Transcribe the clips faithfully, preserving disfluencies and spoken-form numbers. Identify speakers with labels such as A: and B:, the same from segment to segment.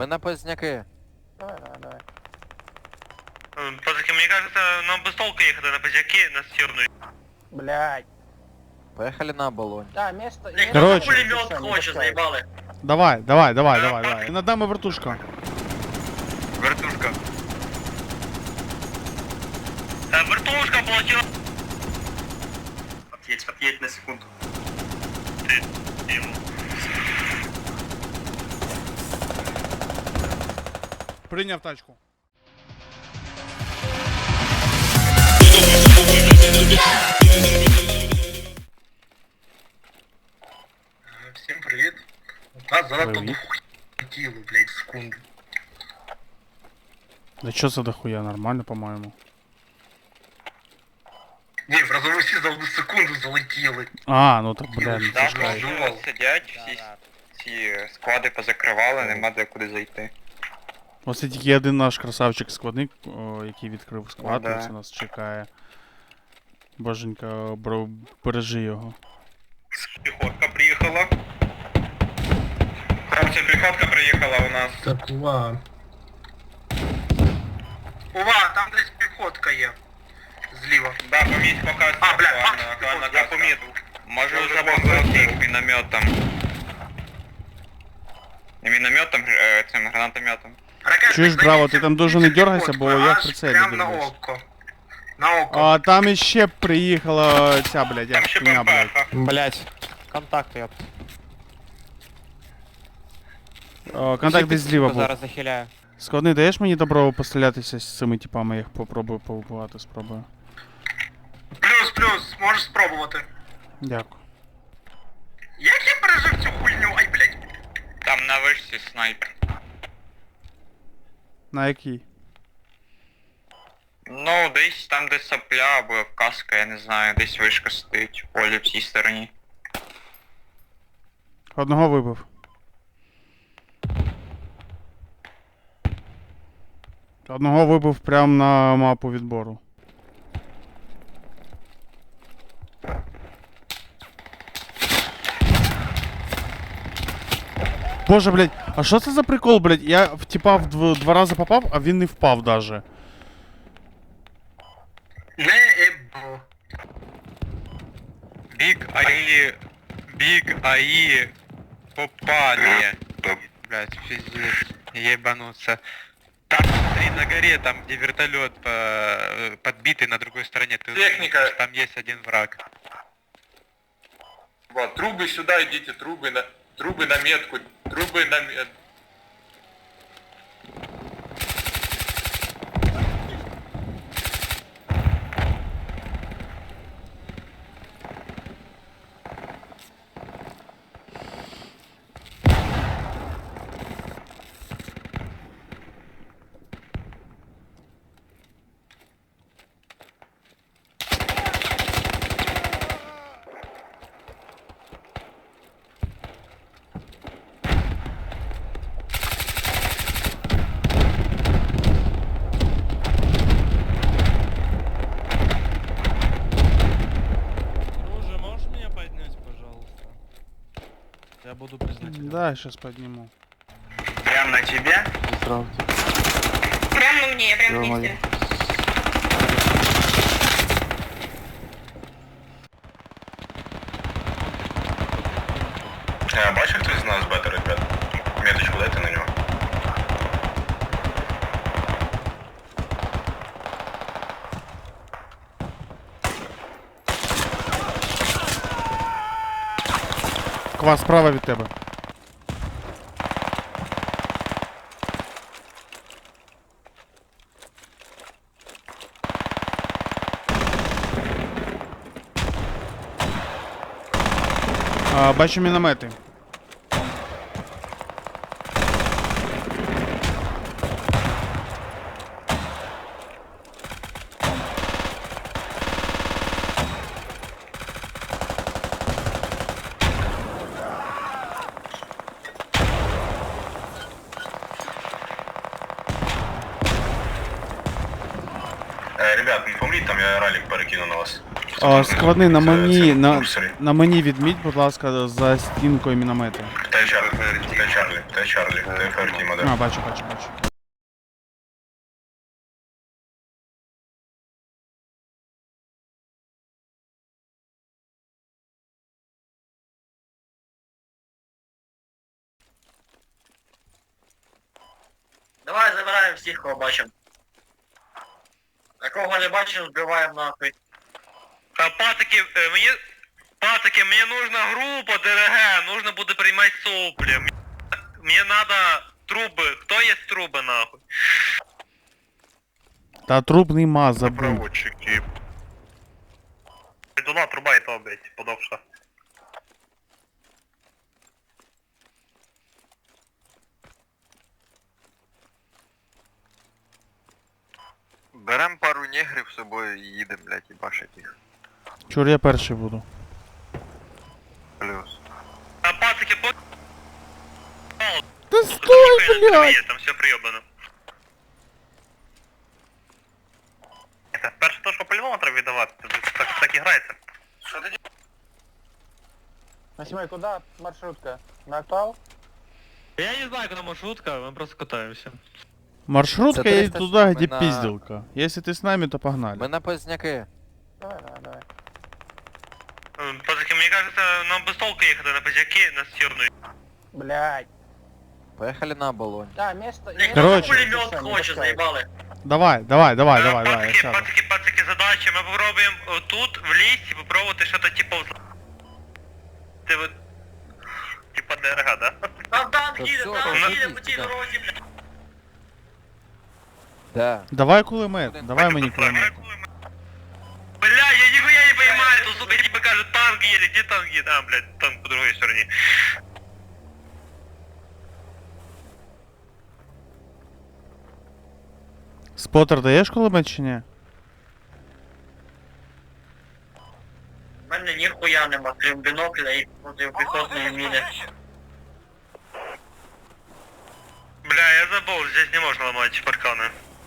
A: Мы на поздняки.
B: Давай, давай, давай.
C: Пацаки, мне кажется, нам без толку ехать на поздняки на стирную.
B: Блядь.
A: Поехали на оболонь.
B: Да, место...
C: Блядь,
D: Короче.
C: кто пулемет хочет, заебалы.
D: Давай, давай, давай, давай, давай. Над нами вертушка.
C: Вертушка. Э, вертушка получила. Отъедь, отъедь на секунду. Ты ему.
D: Прийняв тачку.
C: Всем привет. Да, занадто
D: Привет.
C: хотіло, блядь, секунду.
D: Да чё за дохуя, нормально, по-моему.
C: Ні, в разовості за одну секунду залетіли.
D: А, ну так, бля, ну
C: Да,
D: це ж кайф.
C: ну, сидять, всі ці склади позакривали, нема де куди зайти.
D: Ось тільки один наш красавчик-складник, о, який відкрив склад,
C: Ну, да.
D: ось нас чекає. Боженька, бро, бережи його.
C: Піхотка приїхала. Хлопці, піхотка приїхала у нас.
E: Так, ува.
C: Ува, там десь піхотка є. Зліва. Да, поміть пока. А, бля, Макс, я помітив. Може вже бомбити мінометом. Не мінометом, е, цим гранатометом.
D: Чуєш, Браво, ти там дуже не дергайся, бо я в прицелі
C: Прям на
D: дивлюсь.
C: око. На око.
D: А там іще приїхала ця, блядь,
C: Там
D: як
C: ще
D: хуйня, блядь.
C: ППХ.
A: Блять. Контакт, ёп.
D: О, контакт десь зліва був.
A: Зараз захиляю.
D: Складний, даєш мені добро пострілятися з цими типами, я їх попробую повбивати, спробую.
C: Плюс, плюс, можеш спробувати.
D: Дякую.
C: Як я пережив цю хуйню? Ай, блядь. Там на вишці снайпер.
D: На який?
C: Ну, десь там, де сапля або каска, я не знаю, десь вишка стоїть, в полі в цій стороні.
D: Одного вибив. Одного вибив прямо на мапу відбору. Боже, блядь, а що це за прикол, блядь? Я в типа в дв- два рази попав, а він не впав даже.
C: Не ебо. Биг АИ, Биг АИ попали. Блять, пиздец, ебануться. Там, смотри, на горе, там, где вертолет по, подбитый на другой стороне. Ты Техника. Там есть один враг.
F: Вот, трубы сюда идите, трубы на, трубы на метку, трубы на метку.
G: Друже, можешь меня поднять, пожалуйста? Я буду признателен.
D: Да, сейчас подниму.
C: Прям на тебе?
A: Здравствуйте.
H: Прямо на мне, прямо
A: Нормально.
H: вместе.
F: А, бачив хтось з нас бета, ребят? Меточку дайте на нього.
D: Квас справа від тебе. А, бачу міномети.
F: Е, ребят, не помріть, там я ралік перекину на вас.
D: А, складний, на
F: Це-
D: мені,
F: це
D: на,
F: курсорі.
D: на мені відміть, будь ласка, за стінкою міномети.
F: Та Дай Чарлі, дай Чарлі, дай Чарлі, дай Фертіма,
D: А, бачу, бачу, бачу.
E: Давай забираємо всіх, кого бачимо. А кого не бачимо, збиваємо нахуй.
C: А, пацаки, э, мне... Пацаки, мне нужна группа ДРГ, нужно будет принимать сопли. Мне, мне надо трубы. Кто есть трубы, нахуй?
D: Та трубний маз забув.
C: Проводчики. Придула труба и то, блядь, подовша.
A: Берем пару негрів з собою і їдемо, блядь, і башить їх.
D: Чур, я перший буду.
A: Плюс.
C: А, пацаки, по...
D: Та стой, блядь!
C: Там все приебано. Это перше то, що по-любому треба віддавати, так, так і грається.
B: Восьмой, куда маршрутка? На актуал?
G: Я не знаю, куда маршрутка, мы просто катаемся.
D: Маршрутка
A: Це
D: едет
A: триста
D: туда,
A: сім,
D: где
A: ми на-
D: пизделка. Если ты с нами, то погнали.
A: Ми на Позняки.
B: Давай, давай, давай.
C: Пацаки, мені кажется, нам без толку їхати на позяки, на стірну.
B: Блядь.
A: Поїхали на оболонь.
B: Да, место...
E: Блядь,
D: Короче.
E: хто пулемет хоче, заїбали.
D: Давай, давай, давай, давай, давай, я
C: Пацаки,
D: сяду.
C: пацаки, пацаки, задача, ми попробуємо тут, в лісі, попробувати щось типу... Ти вот... Типа ДРГ, да?
E: Там танк
A: Та
E: їде,
A: всё,
E: танк
A: та
E: їде
A: йдіть
E: по цій
A: сюди.
E: дорозі, блядь.
A: Де?
D: Давай кулемет, давай мені кулемет.
C: Бля, я нихуя не понимаю, тут, сука, типа кажут, танк едет, где танк едет? А, блядь, танк по другой стороне.
D: Спотер даєш кулемет чи ні?
E: У мене ніхуя нема, крім бінокля і протипіхотної міни.
C: Бля, я забыл, здесь не можно ломать парканы.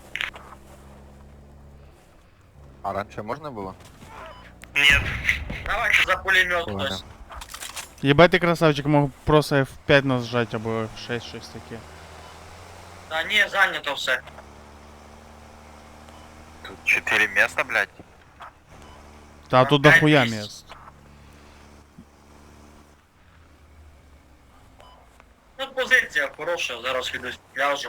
A: А раніше можна було?
C: Нет.
E: Давайте за пулемет
A: Ладно.
E: хтось.
D: Єбать ти красавчик, мог просто еф п'ять нажать або еф шесть, щось таке.
E: Та ні, зайнято все.
A: Тут чотири міста, блядь.
D: Та тут
E: Опять
D: дохуя
E: місць.
D: міст.
E: Ну, позиція хороша, зараз підуть ляжу.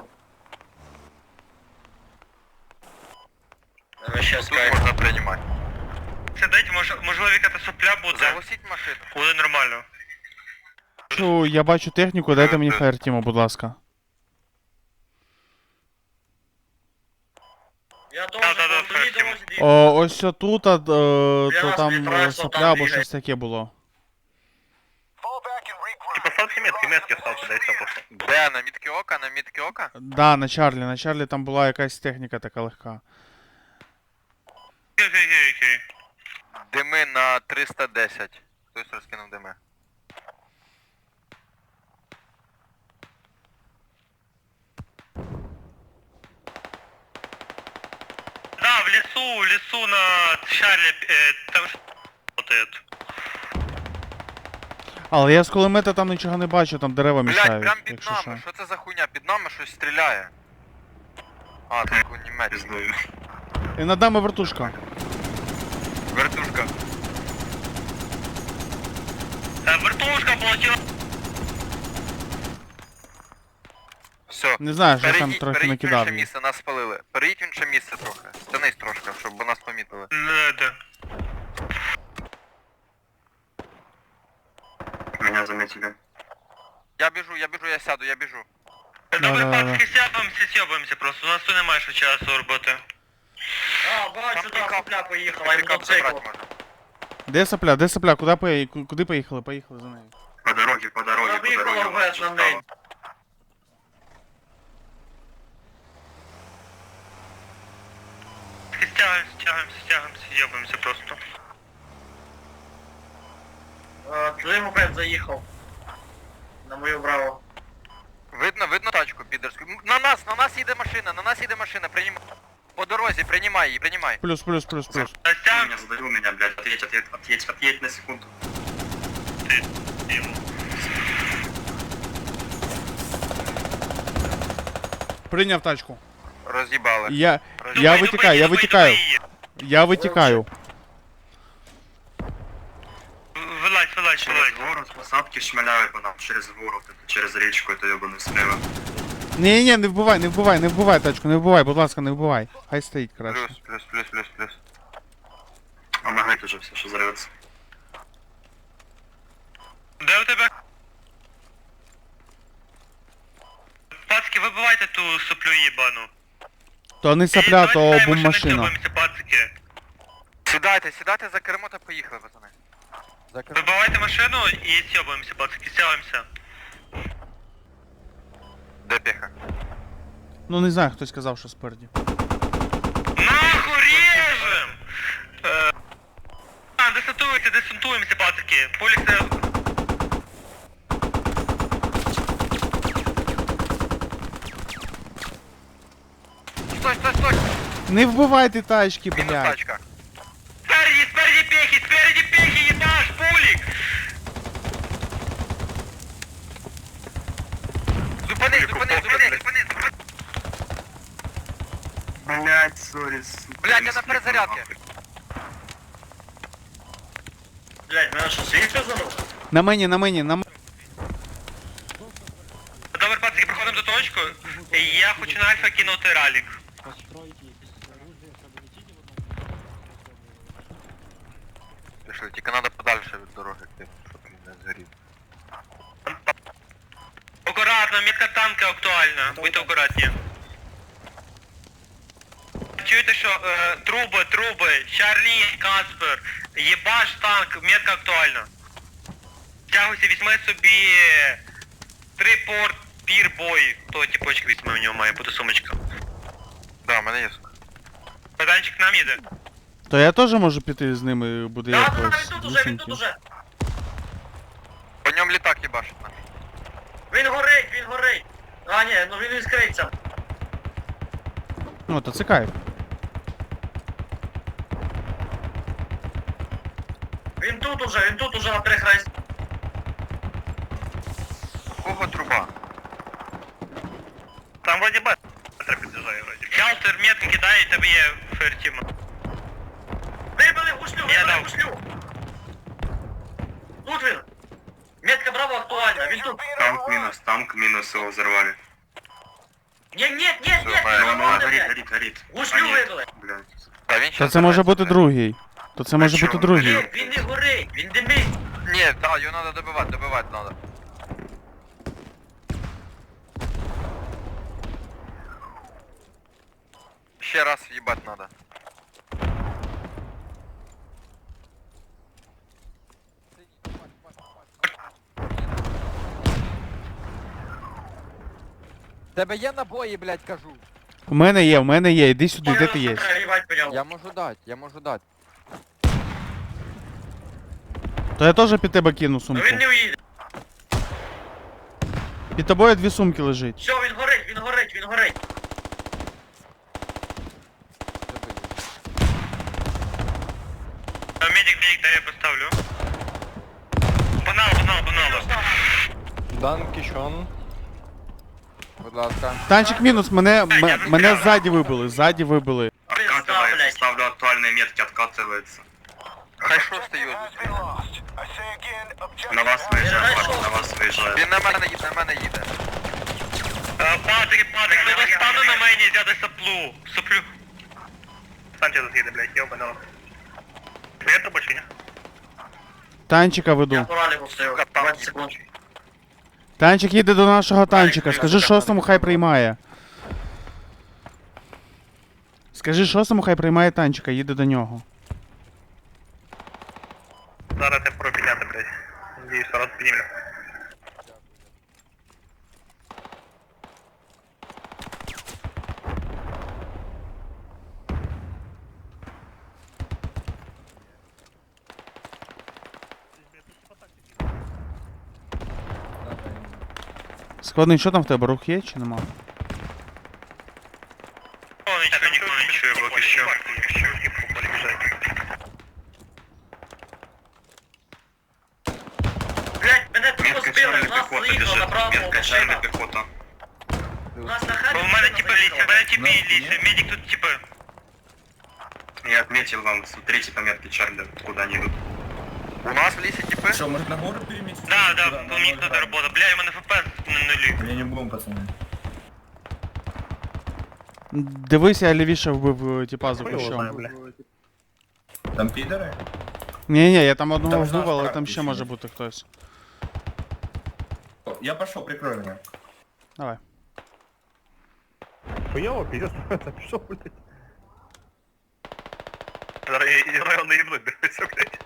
E: Давай ще
A: Тут
E: скай.
A: можна приймати.
C: Це дайте, мож, можливо, яка сопля буде.
A: Заглушіть машину.
C: Буде нормально.
D: Чу, я бачу техніку, дайте мені фаєртіму, будь ласка.
E: Я теж
C: Да-да-да,
E: по другій
C: Фертім.
E: дорозі.
D: О, ось тут, а, то
E: нас
D: там
E: вітає,
D: е,
E: що
D: сопля
E: там
D: або
E: бігає.
D: щось таке було.
C: Типа ставьте метки, метки ставьте, дай все просто.
A: Де? На мітки ока? На мітки ока?
D: Да, на Чарлі, на Чарлі там була якась техніка така легка.
C: Окей, окей, окей.
A: Дими на триста десять. Хтось розкинув дими.
C: Да, в лесу, в лесу на Чарлі, э, там ж работает.
D: Але я з кулемета там нічого не бачу, там дерева
A: Блядь,
D: мішають,
A: прям під
D: якщо
A: нами.
D: що.
A: Що це за хуйня? Під нами щось стріляє. А, тут кунімець.
D: І над нами вертушка.
A: Вертушка.
C: Э, вертушка полетела.
A: Все.
D: Не знаю, що там
A: Перейдіть,
D: трохи
A: перейдіть в
D: накидав.
A: інше місце, нас спалили. Перейдіть в інше місце трохи. Стянись трошки, щоб нас помітили.
C: Да, да.
F: Меня заметили.
A: Я біжу, я біжу, я сяду, я біжу.
C: Добре,
D: Да-да-да.
C: пацки, сяпаемся, сьобаємося просто. У нас тут немає ще часу роботи.
E: А, бачу, там
A: пікап-
E: сопля поїхала, і
A: Пікап
E: мотоцикл.
A: забрати можна.
D: Де сопля, де сопля, куди, пої... ку- куди поїхали? Поїхали за нею.
F: По дороге, по дороге,
E: Вона
F: по
E: виїхала
F: дороге.
E: в основний.
C: Стягаемся, стягаемся, стягаемся, съебаемся просто.
E: Е, Твій мопед заїхав. На мою браво.
A: Видно, видно тачку підерську. М, На нас, на нас їде машина, на нас їде машина, приймай. По дорозі, приймай її, приймай.
D: Плюс, плюс, плюс, плюс.
C: А
F: Ты
C: стягаемся.
F: меня задавил меня, блядь, отъедь, отъедь, отъедь, отъедь на секунду.
D: Прийняв тачку.
A: Роз'їбали.
D: Я,
A: Роз'їбали.
D: я витікаю, я витікаю. Я витікаю.
G: Вилазь, вилазь, вилазь.
E: Город, посадки шмаляють по нам через город, через річку, это ебаный слева.
D: Ні, ні, не вбивай, не вбивай, не вбивай тачку, не вбивай, будь ласка, не вбивай. Хай стоїть краще.
A: Плюс, плюс, плюс, плюс, плюс.
E: А магнит уже все, что взорвется.
G: Де у тебе? Пацки, вибивайте ту соплю їбану.
D: То не сапля, то бум-машина.
G: Пацки.
A: Сідайте, сідайте за кермо та поїхали, пацани. За кермо.
G: Вибивайте машину і сьобаємося, пацки, сьобаємося.
A: Де піха?
D: Ну не знаю, хтось сказав, що спереді.
G: Нахуй режем! Е, А, десантуємося, десантуємося, пацки. Поліція...
A: Стой, стой, стой!
D: Не вбивайте тачки,
A: Мінус
D: блядь.
A: тачка.
G: Спереді, спереді пехи, спереді пехи, ебаш, пулік!
A: Зупини, зупини, зупини, зупини, зупини.
E: Блять, сори, сука.
A: Блядь, я на перезарядці.
E: Блять, мене що, світ розорвав?
D: На мені, на мені, на мені.
G: Добре, пацки, приходимо до точку. Я хочу на альфа кинути ралік.
A: Пішли, тільки треба подальше від дороги йти, щоб він не згорів.
G: Акуратно, мітка танка актуальна. Будьте акуратні. Чуєте, що е, труби, труби, Чарлі, Каспер, єбаш танк, метка актуальна. Тягуйся, візьми собі три порт пір бой. То тіпочки візьме, у нього має бути сумочка.
A: Да, в мене є сука.
G: Богданчик нам їде.
D: То я теж можу піти з ними, буде
E: Да, да,
D: якось.
E: він тут уже, він тут уже.
A: По ньому літак їбашить нам.
E: Він горить, він горить. А, ні, ну він іскриться.
D: Ну, то це кайф.
E: Він тут уже, він тут уже на перехресті.
A: У кого труба?
G: Там вроді б... під'їжджає вроді. Хелтер метки кидає, і тебе є фертіма.
E: Вибили гуслю,
G: Я
E: вибили
G: дав.
E: гуслю. Тут він. Метка Браво актуальна, він тут.
F: Танк минус, танк минус, его взорвали.
E: Ні, ні, ні, ні,
A: Все,
E: ні,
A: має,
E: не
A: має,
E: можна,
F: горит,
E: блядь.
F: горит, горит.
E: Гуслю
F: А, нет,
E: вибили.
F: блядь.
A: Та він
D: То
A: щас
D: це може
A: забере
D: бути
A: це.
D: другий. То це може
F: що?
D: бути другий.
E: Ні, він не горить, він димить.
A: Ні, так, його треба добивати, добивати треба. Ще раз в'їбати треба.
I: Тебе є набої, блядь, кажу.
D: У мене є, у мене є, іди сюди, де ти є?
E: Їбать по ньому.
I: Я можу дати, я можу дати.
D: То я теж під тебе кину
E: Ну
D: сумку.
E: він не уїде.
D: Під тобою дві сумки лежить.
E: Все, він горить, він горить, він горить.
G: Медик, медик, дай я поставлю. Погнали, погнали, погнали.
I: Данкішон. Будь ласка.
D: Танчик мінус, мене, м- мене ззаді вибили, ззаді вибили.
E: Откатывается, блядь.
F: ставлю актуальные метки, откатывается.
A: Хай шостий його зустріне.
F: На вас выезжает, Паша, на вас выезжает.
A: Він на мене їде, на мене їде.
G: Е, Патрик, Патрик, не стану на мені взяти соплу. Соплю. Станьте засіди, блядь, йобано. Я то бачу, ні?
D: Танчика
E: Я
D: веду.
E: по раліку стою. двадцять секунд.
D: Танчик їде до нашого танчика. Скажи шостому, хай приймає. Скажи шостому, хай приймає танчика, їде до нього.
G: Зараз я про підняти, блядь. Надіюсь, раз піднімлю.
D: Складний, що там в тебе, рух є чи нема?
G: О, нічого, ніхто не чує, поки що.
E: Блядь, мене тупо
F: Метка
E: збили,
F: черная
E: в нас
F: пехота
E: заїхала
F: бежит,
E: направо
F: метка черная
E: машина.
F: пехота.
E: У нас на хабі
G: У мене
E: машина
G: тіпи лісе, мене тіпи лісе, медик тут типи.
E: Я отметил вам, смотрите по метке Чарли, куда они идут.
A: У нас в лісі типи.
J: Что, может на гору переместиться?
G: Да, да, у них тут робота. Бля, у мене ФПС на нулі.
J: Я не будем, пацаны.
D: Дивись, я лівіше вбив, типа, за кущом.
J: Там пидоры?
D: Ні, ні, я там одного
J: Там ж наш
D: вбив, але
J: брат
D: там ще
J: ще
D: може
J: є.
D: бути хтось.
J: О, я пошел, прикрой меня.
D: Давай.
B: Хуёво, пиздец, это пішов, блядь.
G: Район не їбнуть, дивися, блядь.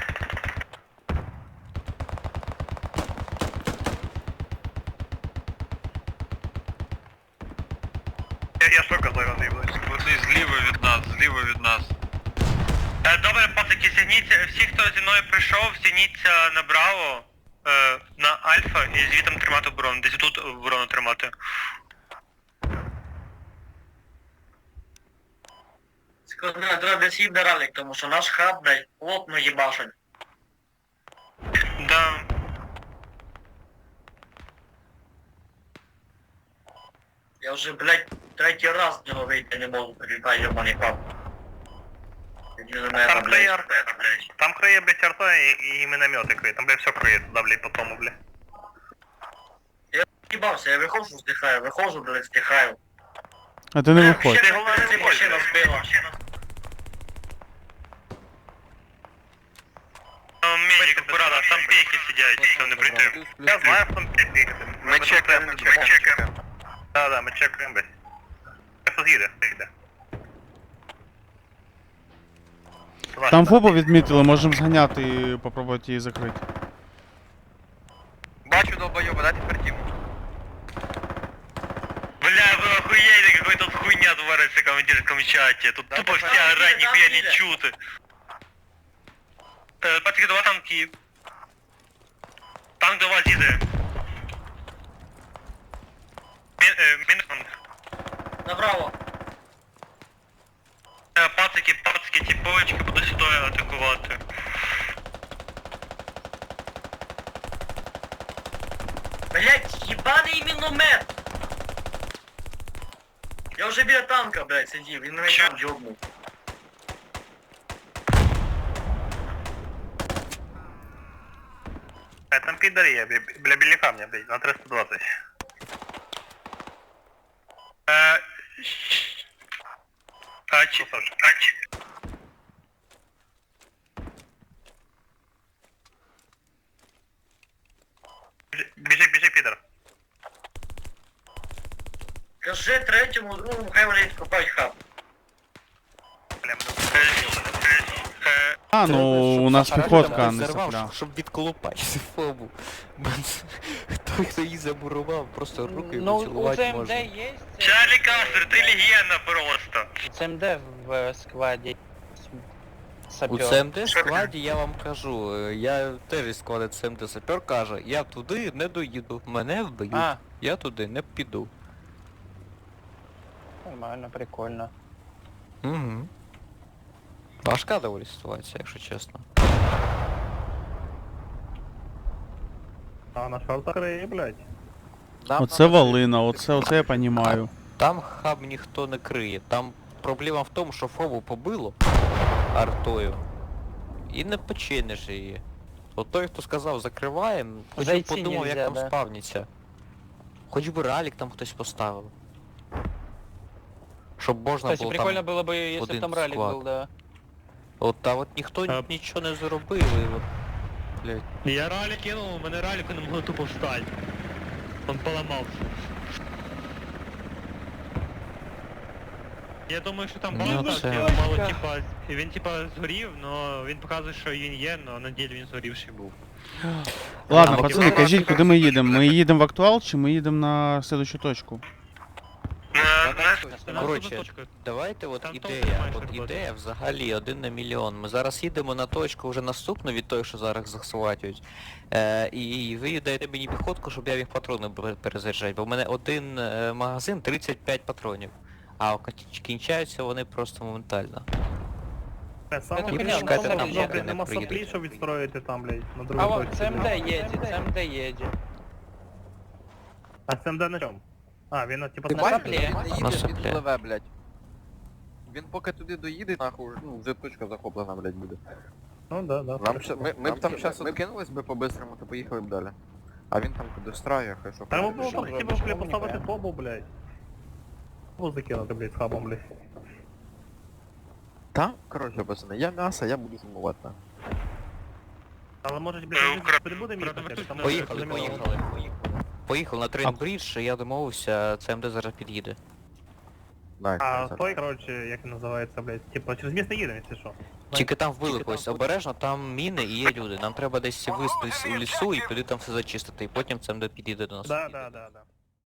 G: Я, я що казав, район не їбнуть?
C: Вони зліва від нас, зліва від нас.
G: Е, Добре, пацики, сягніться, всі, хто зі мною прийшов, сягніться на Браво, е, на Альфа і звітом тримати оборону. Десь тут оборону тримати.
E: Скажи, треба десь їбне ралік, тому що наш хаб, блядь, плотно їбашить.
G: Да.
E: Я вже, блядь, третій раз з нього вийти не можу, прилітаю, йобаний хаб.
G: Там криє, там криє, блядь, арта і, і міномети криє. Там, блядь, все криє туди, блядь, по тому, блядь.
E: Я їбався, я виходжу, здихаю, виходжу, блядь, здихаю.
D: А ти не виходь.
E: Ще головне, це машина збила.
G: Медик, аккуратно, там пейки сидять, що не прийти. Я знаю, що там пейки.
A: Ми чекаємо, ми чекаємо.
G: Да, да, ми чекаємо, блядь. Хто з'їде, з'їде.
D: Там фобу відмітили, можемо зганяти і попробувати її закрити.
A: Бачу долбойоба, дайте тепер тіму.
G: Бля, вы охуели, какой тут хуйня творится в командирском чате. Тут
A: Да,
G: тупо
A: да,
G: все
A: да,
G: орать,
E: да,
G: нихуя
E: да,
G: не
E: да.
G: чуты. Э, Пацаны, два танки. Танк два зиды. Минус.
E: Направо.
G: Пацики, пацики, типовочки, буду сюди атакувати.
E: Блядь, ебаний міномет! Я вже біля танка, блядь, сидів, він мене там джобнув.
G: Э, Там пидоры, я бля беляка мне, блядь, на триста двадцать. Э, А, чи... А, чи... Біжи, біжи, підер.
E: Кажи третьому, другому, хай вони копають хаб.
D: А, ну у нас піхотка, а не
I: Зарвав,
D: сопля.
I: щоб відколупати фобу. Хто хто її замурував, просто руки
B: Ну, у
I: поцілувати
B: ЦМД
I: можна.
B: є?
G: Чарлі Кастер, ти легенда просто.
B: У ЦМД в е, складі.
I: У
B: Сапер.
I: ЦМД складі я вам кажу, е, я теж із складу ЦМД сапер каже, я туди не доїду, мене вб'ють,
B: А,
I: я туди не піду.
B: нормально, прикольно.
I: Угу. Важка доволі ситуація, якщо чесно.
B: А на шортах криє, блядь.
I: Нам
D: Оце
I: надо-
D: валина, оце, оце я понімаю.
I: Там хаб ніхто не криє. Там проблема в тому, що фобу побило артою. І не починиш її. От той, хто сказав закриваємо, хоч би
B: Зайти
I: подумав, як
B: нельзя,
I: там
B: да.
I: спавніться. Хоч би ралік там хтось поставив. Щоб можна
B: Кстати,
I: було
B: прикольно
I: там...
B: было бы, если
I: один
B: бы там ралик
I: склад.
B: был, да.
I: От, та от ніхто
B: А-
I: нічого не зробив, і от... Блядь.
G: Я ралік кинув, у мене раліку не могло тупо встати. Он поламався. Я думаю, що там
I: Ну,
G: багато
I: це-
G: так, мало типа, він типа згорів, но він показує, що він є, но на ділі він згорівший був.
D: Ладно,
I: А,
D: пацани,
I: от-
D: кажіть, куди ми їдемо? Ми їдемо в актуал чи ми їдемо на слідущу точку?
I: Коротше, давайте от
G: Там
I: ідея,
G: толку маєш
I: от
G: роботи.
I: ідея взагалі один на мільйон. Ми зараз їдемо на точку вже наступну від тої, що зараз захватюють. Е, і ви даєте мені піхотку, щоб я їх патрони б- перезаряджати, бо в мене один е, магазин тридцять п'ять патронів. А кін- кінчаються вони просто моментально.
B: Саме
I: І
B: понятно,
I: почекайте
B: саме
I: там,
B: понятно.
I: поки не приїдуть.
B: щоб відстроїти там, блядь, на
K: А
B: другій
K: вот
B: точці.
K: ЦМД едет, ЦМД едет.
B: А ЦМД на чому? А, він типу
I: Ти
B: на
I: бачиш,
B: шаплі?
I: він не їде, він
K: пливе, блядь. Він поки туди доїде, нахуй, ну, вже точка захоплена, блядь, буде.
B: Ну да, да.
K: Нам ще, ми, ми б там зараз откинулись би по-бистрому, то поїхали б далі. А він там достраює, хай що
B: Та йому
K: хоче.
B: було хотів би поставити фобу, блядь. Фобу закинути, блядь, з хабом, блядь.
K: Та, коротше, пацани, я м'ясо, я буду зимувати. на.
B: Але може,
G: Е,
B: блядь,
G: Укра-
B: прибудемо їхати, там
I: Поїхали,
B: замінили.
I: поїхали, поїхали. Поїхали на Трейнбридж, я домовився, ЦМД зараз під'їде.
K: Найс,
B: А
K: найс.
B: той, коротше, як він називається, блядь, типу, через місто їдемо, якщо що.
I: Тільки там вбили когось, обережно, там міни і є люди. Нам треба десь вистись у лісу і туди там все зачистити, і потім ЦМД підійде до нас.
B: Да, да, да, да.